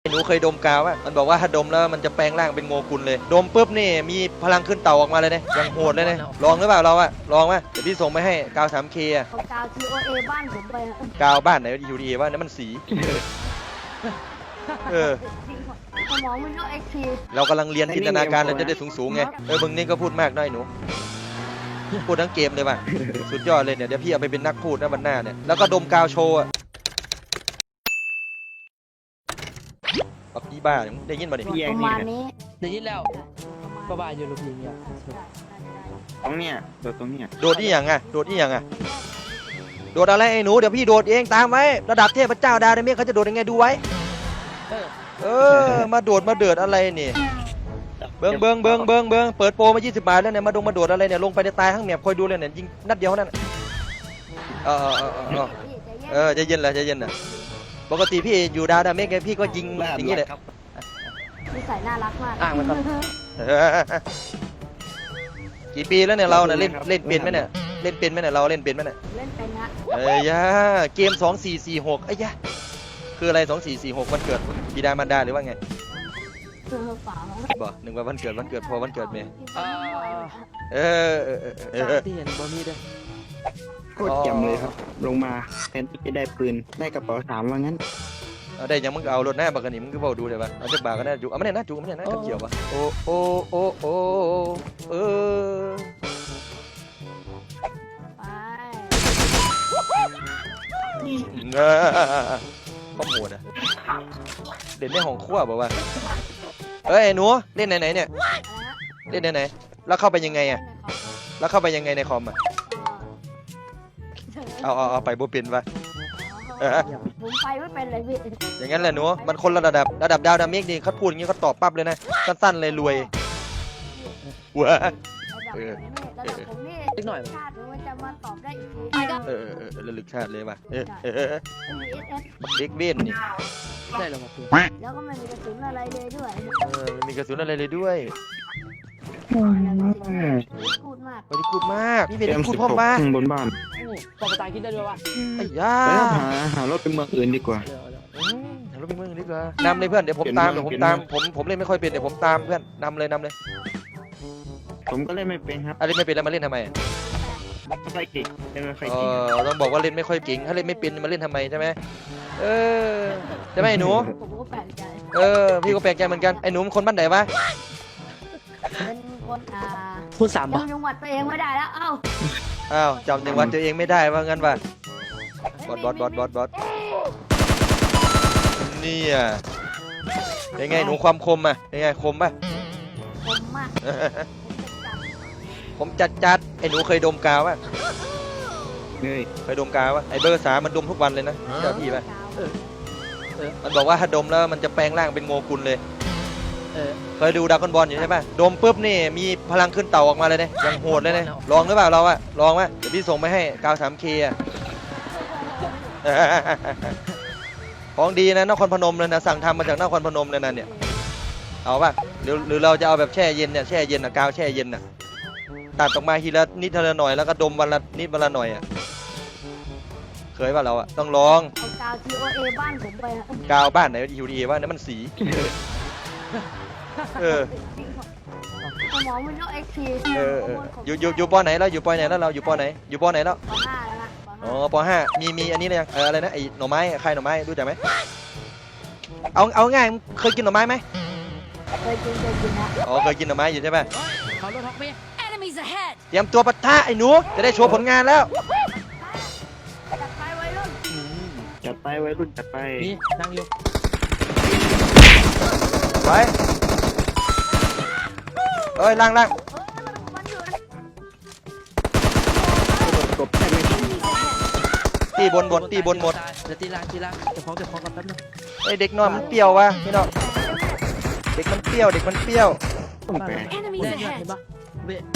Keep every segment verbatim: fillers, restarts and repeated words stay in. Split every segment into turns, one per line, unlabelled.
หนูเคยดมกาวป่ะมันบอกว่าถ้าดมแล้วมันจะแปลงร่างเป็นโงกุลเลยดมปุ๊บนี่มีพลังขึ้นเต่าออกมาเลยเนี่ยยังโหดเลยเนี่ยลองหรือเปล่าเราอะลองไหมเดี๋ยวพี่ส่งไปให้กาว ทรี เค อะ
เอากาว ที โอ เอ บ้านผมไปอะ
กาวบ้านไหนยูดีว่านั่นมันสีเออ
สมองมันก็เอ็กซ์ที
เรากำลังเรียนจินตนาการเราจะได้สูงๆไงเออมึงนี่ก็พูดมากหน่อยหนูพูดทั้งเกมเลยป่ะสุดยอดเลยเนี่ยเดี๋ยวพี่เอาไปเป็นนักพูดนะวันหน้าเนี่ยแล้วก็ดมกาวโชว์อะปักกี้บ้าได้ยินป่ะเนี่ย
ประมาณนี้
ได้ยินแล้วก็บ้าอยู่ลูกยิงเนี่ย
ตรงเนี้ยโดดตรงเนี้ย
โดดที่อย่างอะโดดที่อย่างอะโดดอะไรไอ้หนูเดี๋ยวพี่โดดเองตามไว้ระดับเทพเจ้าดาวไดเมฆเขาจะโดดยังไงดูไว้
เออ
เออมาโดดมาเดือดอะไรนี่เบิ้งเบิ้งเบิ้งเบิ้งเบิ้งเปิดโปรมายี่สิบบาทแล้วเนี่ยมาดงมาโดดอะไรเนี่ยลงไปในตายทั้งแมปคอยดูเลยเนี่ยยิงนัดเดียวนั่นเออเออเออเออเออใจเย็นแหละใจเย็นน่ะปกติพี่อยู่ดาวดาเมฆไงพี่ก็ยิงอย่างนี้แหละ
นิสัยน่ารักมาก
อ่างมันครับ
กี่ปีแล้วเนี่ยเราเนี่ยเล่นเล่นเป็นไหมเนี่ยเล่นเป็นไหมเนี่ยเราเล่นเป็นไหมเนี่ย
เล่นเป็นฮะ
เอ้ยยาเกมสองสี่สี่หกไอ้ยะคืออะไรสองสี่สี่หกวันเกิดบิดามารดาหรือว่าไง
เออเปล่า
บอกหนึ่งว่าวันเกิดวันเกิดพอวันเกิดเมย์
เออ
เออเออเออเออเออ
ที่เห็นบอมีด้วย
โคตรแจ่มเลยครับ ลงมาแทนที่จะได้ปืนได้กระเป๋าสามว่างั้น
เอาได้ยังมึงก็เอารถหน้าบักกันนี่มึงก็บอกดูเลยปะเอาจักบาก็ได้จุเอาไม่ได้นะจุไม่ได้นะกับเกี่ยวปะโอ้โอ้โอ้โอ้เออ
ไป
เงาข้อมูลอะเด่นในห้องครัวบอกว่าเอ้ยหนูเล่นไหนไหนเนี่ยเล่นไหนไหนแล้วเข้าไปยังไงอะแล้วเข้าไปยังไงในคอมอะเอาเอาเอาไปบุปินปะเออ
ผมไปไม่เป็นเลยพี่
อย่างนั้นแหละหนูมันคนละระดับระดับดาวดามิกนี่เขาพูดอย่างนี้เขาตอบปั๊บเลยนะสั้นๆเลยรวยหัว
ระดับผมนี่ระดับผมนี่
นิดหน่อย
ชาติมันจะมาตอบได้อีกที
เออเออเออระลึกชาติเลยป่ะเออเออเออ
ไม่มีเอสเอส
เด็กเว้นนี่
ได้แล้วครับเพื่อน
แล้วก็ไม่มีกระสุนอะไรเลยด้วย
เออไม่มีกระสุนอะไรเลยด้วย
พูดมาก
บริกูดมากนี่เป็น
เอ็ม
พูด
สิบ
พ่อ
หก
มา
ข้างบนบ้าน
โอ้ปอภาษาอังกฤษได้ด้วยวะ
ไอ้ย่า
แล้วหาหารถไปเมืองอื่นดีกว่า
เดี๋ยวเดี๋ยว
อืมเดี๋ยวเราไปเมืองดีกว่านำเลยเพื่อนเดี๋ยวผมตาม
เปลี่
เดี๋ย
ยน
วผม
เมือง
ตาม
เปลี่
ผม
ยนเมือง
ผมเล่นไม่ค่อยเป็นเดี๋ยวผมตามเพื่อนนำเลยนำเลย
ผมก็เล่นไม่เป็นครับ
อะไรไม่เป็นแล้วมาเล่นทำไม
ไม่ค่อยเก่งเล่นไม่ค่อย
เอ
เก่ง
อต้องบอกว่าเล่นไม่ค่อยเก่งถ้าเล่นไม่เป็นมาเล่นทำไมใช่ไหมเออใช่ไหมไอ้หนู
ผมก็แปลกใจ
เออพี่ก็แปลกใจเหมือนกันไอ้หนูมันคนบ้านไหนวะ
เป็นคนอ่า
พูดสามบาท
จำจังหวัดตัวเองไม่ได้แล้วเอ้า
อ้าวจำจังหวัดตัวเองไม่ได้ว่างั้นป่ะบอสบอสบอสบอสบอสเนี่ยเป็นไงหนูความคมอ่ะเป็นไงคมป่ะ
ผมมาก
ผมจัดจัดไอ้หนูเคยดมกาวป่ะ
เฮ้ย
เคยดมกาวป่ะไอ้เบอร์สามมันดมทุกวันเลยนะเจ้าพี่ป่ะ
เออเออ
มันบอกว่าถ้าดมแล้วมันจะแปลงร่างเป็นโงกุลเลย
เออ
เคยดูดราก้อนบอลอยู่ใช่ป่ะดมปุ๊บนี่มีพลังขึ้นเต่าออกมาเลยเนี่ยยังโหดเลยเนี่ยลองหรือเปล่าเราอะลองไหมเดี๋ยวพี่ส่งไปให้กาว ทรี เค อะ ของดีนะนครพนมเลยนะสั่งทำมาจากนครพนมเลยนะเนี่ยเอาป่ะหรือหรือเราจะเอาแบบแช่เย็นเนี่ยแช่เย็นอะกาวแช่เย็นอะตัดออกมาทีละนิดทีละหน่อยแล้วก็ดมวันละนิดวันละหน่อยอะเคยป่ะเราอะต้องลอง
เอากาว ที โอ เอ บ้านผมไปอะ
กาวบ้านไหนยูดีว่านั่นมันสีเออ
สมองมันก็เอ็กซ์ที
เออเอออยู่อยู่อยู่ปอไหนแล้วอยู่ปอไหนแล้วเราอยู่ปอไหนอยู่ปอไหนแล้ว
ปห้าแล้วนะป
อ๋อ
ห้า
ปห้ามีมีอันนี้เลยยังเอออะไรนะไอ้หน่อไม้ใครหน่อไม้รู้จักไหมเอาเอาง่ายเคยกินหน่อไม้ไหม
เคยกินเคยกินนะ
อ๋อเคยกินหน่อไม้อยู่ใช่ไหม
เขารถท็อกเมีย
Enemies ahead!
เตรียมตัวปะทะไอ้หนูจะได้โชว์ผลงานแล้ว
จัดไปไว้รุ่น
จัดไปไว้รุ่นจัดไป
นี่นั่งอยู่
ไปเอ้ยล่างล่าง
เออมันอยู่นะ
กบแทบไม่ทัน
ตีบนบนตีบนหมด
เดี๋ยวตีล่างตีล่างเก็บของเก็บของกันแป๊บนึง
ไอ้เด็กน้อยมันเปรี้ยววะพี่น้องเด็กมันเปรี้ยวเด็กมันเปรี้ยว
ต้องแปล
Enemies
ได้ยอด
ahead!
เห็นปะเบะ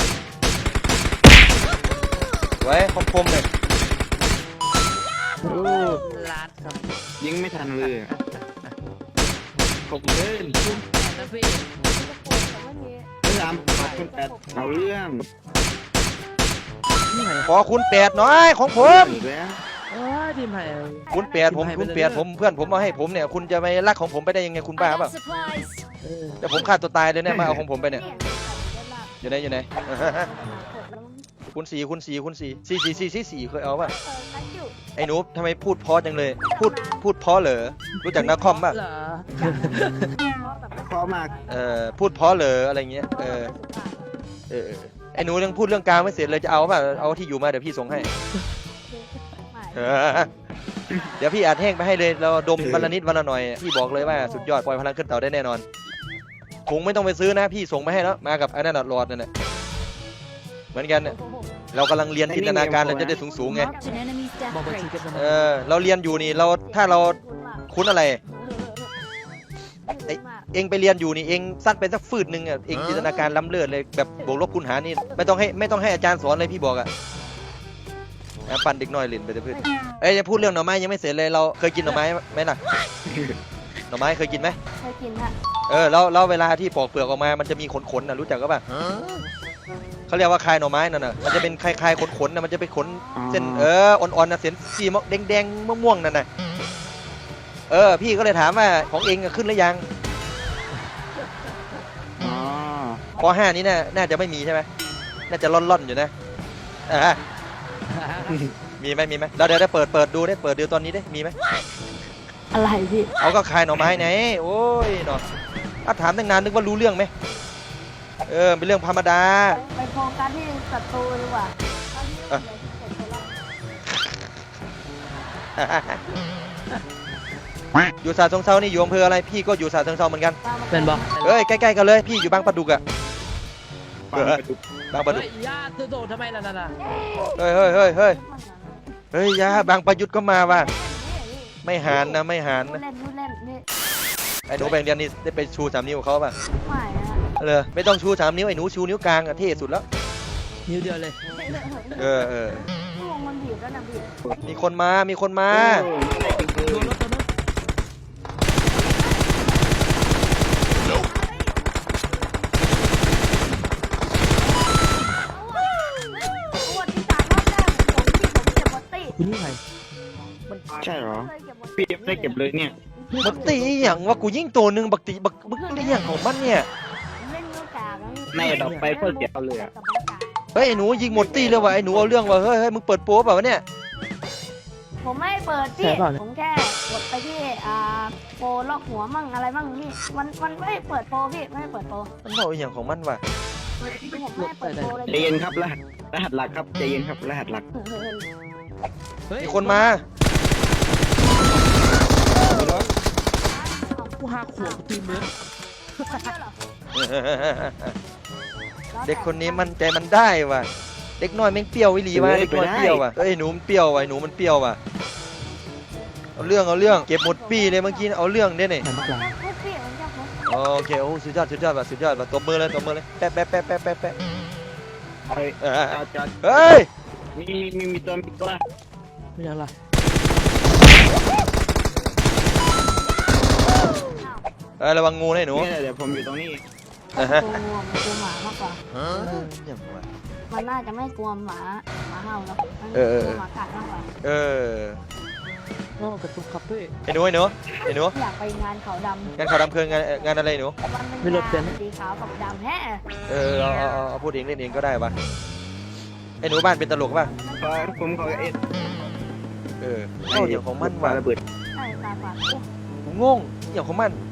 ไว้คมคมๆเลย
โอ้
ลาดครับ
ยิงไม่ทันเลยอะผมเล่น
นะพี่
พยายามปัดคนแปดเอาเรื่อง
นี่ไง
ขอคุณแปดหน่อยของผม
อีกแล้ว
เอ้ยทีมไผ่
คุณเปียดผมคุณเปียดผมเพื่อนผมมาให้ผมเนี่ยคุณจะไปรักของผมไปได้ยังไงคุณบ้าเปล่า
เออ
แต่ผมฆ่าตัวตายเลยเนี่ยมาเอาของผมไปเนี่ย
เนี่ย
อยู่ไหนอยู่ไหน คุณสีคุณสีคุณสีสี่สี่สี่สี่สี่เคยเอาป่ะ
เออคัดอยู่
ไอ้หนูทำไมพูดเพราะจังเลย พูดพูดเพราะเหรอรู้จักนักคอมป่ะ
เหรอ
เพราะมาก
เออพูดเพราะเหรออะไรเงี้ยเออเออเออไอ้หนูยังพูดเรื่องกลางไม่เสร็จเลยจะเอาป่ะเอาที่อยู่มาเดี๋ยวพี่ส่งให้เออเดี๋ยวพี่อัดแห้งไปให้เลยเราดมวันละนิดวันละหน่อยพี่บอกเลยว่าสุดยอดปล่อยพลังขึ้นเต่าได้แน่นอนถุงไม่ต้องไปซื้อนะพี่ส่งมาให้แล้วมากับไอ้นั่นน่ะหลอดนั่นแหละเหมือนกันเนี่ยเรากำลังเรียนจินตนาการเราจะได้สูงๆไง
บอกไปทีกัน
เออเราเรียนอยู่นี่เราถ้าเราคุ้นอะไร เองไปเรียนอยู่นี่เองสั้นไปสักฟืดหนึ่งอ่ะเองจินตนาการล้ำเลิศเลยแบบบวกลบคูณหารนี่ไม่ต้องให้ไม่ต้องให้อาจารย์สอนเลยพี่บอกอ่ะอ่ะปั่นเด็กน้อยเล่นไปเถอะเพื่อนเอ้ยจะพูดเรื่องหน่อไม้ยังไม่เสร็จเลยเราเคยกินหน่อไม้ไหมล่ะหน่อไม้เคยกินไหม
เคยกินฮะ
เออแล้วแล้วเวลาที่ปอกเปลือกออกมามันจะมีขนๆนะรู้จักก็ป่ะเขาเรียกว่าคายหน่อไม้นั่นน่ะมันจะเป็นคลายๆขนๆนะมันจะเป็นขนเส้นเอออ่อนๆนะเส้นสีแดงๆม่วงๆนั่นน่ะเออพี่ก็เลยถามว่าของเองขึ้นหรือยัง
อ๋อ
ปห้านี้น่าน่าจะไม่มีใช่ไหมน่าจะล่อนๆอยู่นะอ่ามีไหมมีไหมเราเดี๋ยวได้เปิดเปิดดูได้เปิดดูตอนนี้ได้มีไหม
อะไรพี่
เอาก็คายหน่อไม้ไหนโอ้ยหนอถ้าถามตั้งนานนึกว่ารู้เรื่องไหมเออเป็นเรื่องธรรมดา
ไปโฟกัสที่ศัตรูดีกว่าตอนนี้
อ่ะ
เสร็จไปแล้ว
อยู่สาทรงเซานี่อยู่อำเภออะไรพี่ก็อยู่สาทรงเซาเหมือนกัน
เป็นบอก
เอ้ยใกล้ๆกันเลยพี่อยู่บางปะดุกอะ
ปางกระดุก
บางปะดุ
เฮ้
ก
ยญาติโดดทำไมล่ะนั่นน่ะ
เฮ้ยเฮ้ยเฮ้ยเฮ้ยเฮ้ยยาบางประยุทธ์ก็มาว่ะไม่หานนะไม่หาน
พูด
นะ
เล่นพูดเล่นนี่
ไอ้หนูแบ่งเรียนนี่ได้ไปชูสามนิ้วกับเขาป่ะ
ไม่นะ
เลยไม่ต้องชูสามนิ้วไอ้หนูชูนิ้วกลางอะเท่สุดแล้ว
นิ้วเดียวเลย
เออเออ
พวงมันบีบแล้วนะบีบ
มีคนมามีคนมา
โอ้ไม่ได้เป็นปื
โดน
น
รถตัวนู้น
ตัวที่สามรอบแรกผมที่ผมเก็บบอตตี้
คุณนี่ไผ่
ใช่เหรอ
เคยเก็บบอต
พี่ได้เก็บเลยเนี่ย
บักตีอหย่างว่ากูยิ่งตัวหนึ่งบักตีบักบักตีอหย่างของมันเนี่ย
เล่นนิ้วกลางแล้ว
ในดอกไปเพื่อเก็บเอาเลยอะ
เฮ้ยไอ้หนูยิงหมดตีเลยว่ะไอ้หนูเอาเรื่องว่ะเฮ้ยเฮ้ยมึงเปิดโป๊เปล่าวะเนี่ย
ผมไม่เปิดพี่ผมแค่กดไปที่อ่าโปรล็อกหัวมั่งอะไรมั่งนี่มันมันไม่เปิดโปรพี่ไม่เปิดโปร
มันบอกอหย่างของมันว่ะ
ผมไม่เปิดโปรเลย
ใจเย็นครับรหัสรหัสหลักครับใจเย็นครับรหัสหลัก
เฮ้ย
มีคนมา
กูหาขวบตีมือ
เด็กคนนี้มันใจมันได้ว่ะเด็กน้อยแม่งเปรี้ยววิลีว่ะเด็กน้อยเปรี้ยวว่ะเอ้ยหนูมันเปรี้ยวว่ะไอ้หนูมันเปรี้ยวว่ะเอาเรื่องเอาเรื่องเก็บหมดปีเลยเมื่อกี้เอาเรื่องได้เนี่ย
หันมาไกล
ปุ๊บพี่มันจะปุ๊บ
โอเคโอ้สุดยอดสุดยอดว่ะสุดยอดว่ะตบมือเลยตบมือเลยแปะแปะแปะแปะแปะแปะ
เฮ้ย
เออ
จอดจอด
เฮ้ย
มีมีมีมีตัวมีตัว
ไม่ยังล่ะ
เออระวังงูนะไอ้หนู
นี่เดี๋ยวผมอยู่ตรงนี้
ตัวงูมันกลัวหมามากกว่า
เอออย่างวะ
มันน่าจะไม่กลัวหมาหมาเห่าหรอกมัน
เออเออ
กลัวหมากัดมากกว่า
เออ
โอ้กระตุกครับพี่
ไอ้หนูไอ้หนูไอ้หนู
อยากไปงานเขาดำ
งานข่าวดำเพลิงงานงานอะไรหนู
มัน
ไม่
เป็น
รถเป็น
งานสีขาวกับดำแฮะ
เออเอาเอาเอาเอาพูดเองเล่นเองก็ได้ปะไอ้หนูบ้านเป็นตลกป่ะ
ขอผมขอเอ็ด
เออเอาอย่างของมันว่ะ
ระเบิด
ใช่ตาฝาดโอ้
ผมงงอย่างของมัน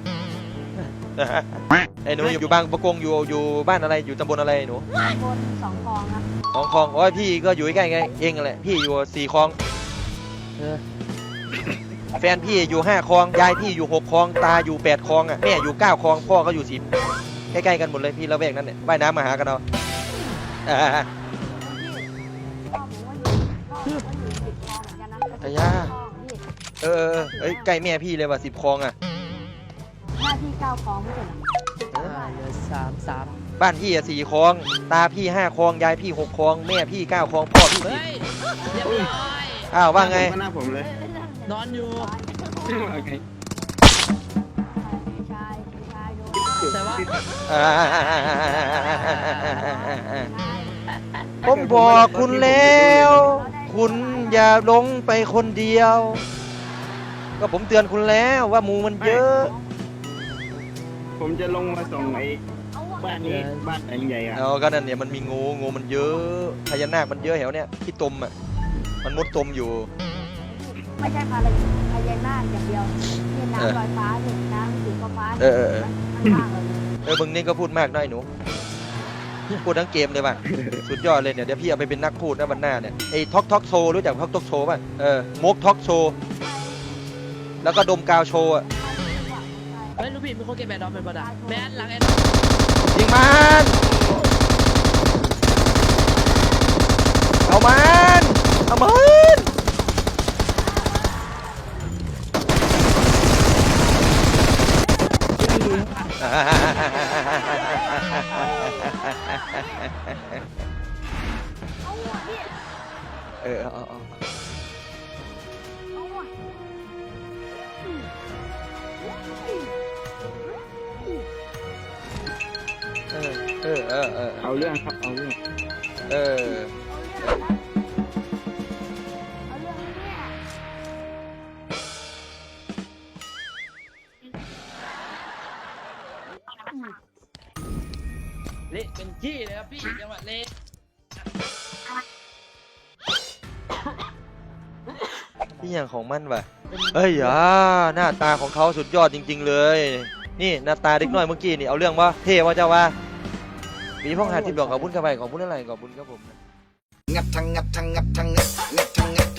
ไอ้หนูอยู่อยู่บางประกงอยู่อยู่บ้านอะไรอยู่ตำบลอะไรหนู
บนสองกองครับ
สองคลองโอ้ยพี่ก็อยู่ใกล้ๆไงเองนั่นแหละพี่อยู่สี่คลอง
เออ
แฟนพี่อยู่ห้าคลองยายพี่อยู่หกคลองตาอยู่แปดคลองอ่ะแม่อยู่เก้าคลองพ่อก็อยู่สิบใกล้ๆกันหมดเลยพี่ละแวกนั้นเนี่ยว่ายน้ำมาหากันเอาอ่า
พ่อผมว่าอยู่พ่อผมว่าอยู่สิบกองเหมือนกันนะ
ไอ้ย่า
พี่
เออเออเอ้ยใกล้แม่พี่เลยว่ะสิบคลองอ่ะ
หน้าที่เก้ากองไม่ใช่เหรอ
อ่าเหลือสามสาม
บ้านพี่อ่ะสี่คลองตาพี่ห้าคลองยายพี่หกคลองแม่พี่เก้าคลองพ่อพี่
เฮ้
สิบ
ยเรียบร้อย
อ้าวว่าไง
หน้าผมเลย
นอนอยู่
ว่าไง
ชายชายโดน
แต่ว่า
อ่าผมบอกคุณแล้ว คุณอย่าลงไปคนเดียว ก็ผมเตือนคุณแล้วว่าหมูมันเยอะ
ผมจะลงมาส่งไอ้
เอาอะ
บ้านนี้บ้านหลังใหญ่อะ
เอาก็นั่นเนี่ยมันมีงูงูมันเยอะพญานาคมันเยอะแถวเนี้ยที่ตมอ่ะมันมุดตมอยู่
ไม่ใช่พาราพญานาคอย่างเดียวนี่น้ำลอยฟ้าเนี่ยน้ำสีฟ้าๆ
เออเออเออ
ข้างๆเลย
เออมึงนี่ก็พูดมากหน่อยหนูพูดทั้งเกมเลยป่ะสุดยอดเลยเนี่ยเดี๋ยวพี่เอาไปเป็นนักพูดนะวันหน้าเนี่ยไอ้ท็อกท็อกโชว์รู้จักท็อกท็อกโชว์ป่ะเออมกท็อกโชว์แล้วก็ดมกาวโชว์อ่ะ
เฮ้ยลูกพี่มีคนเก็บแบดดอมเป็นบอดาแมนหลังแอดดอม
ยิงมันเอามันเอามัน
เอาอะพี่
เออเอาเอาเอา
เอาอะ
เออเออเออเออ
เอาเรื่องครับเอาเรื่อง
เออ
เอาเรื่องนะเอาเรื่องเนี่ย
เละเป็นขี้เลยครับพี่จังหวะเละ
นี่อย่างของมันว่ะเอ้ยอ่าหน้าตาของเขาสุดยอดจริง ๆ เลย นี่หน้าตาเด็กน้อยเมื่อกี้นี่เอาเรื่องว่าเท่ว่าเจ้าว่ามีพ่อหาที่บอกขอบคุณครับไปขอบคุณอะไรขอบคุณครับผม
งับทั้งงับทั้งงับทั้งงับงับทั้งงับ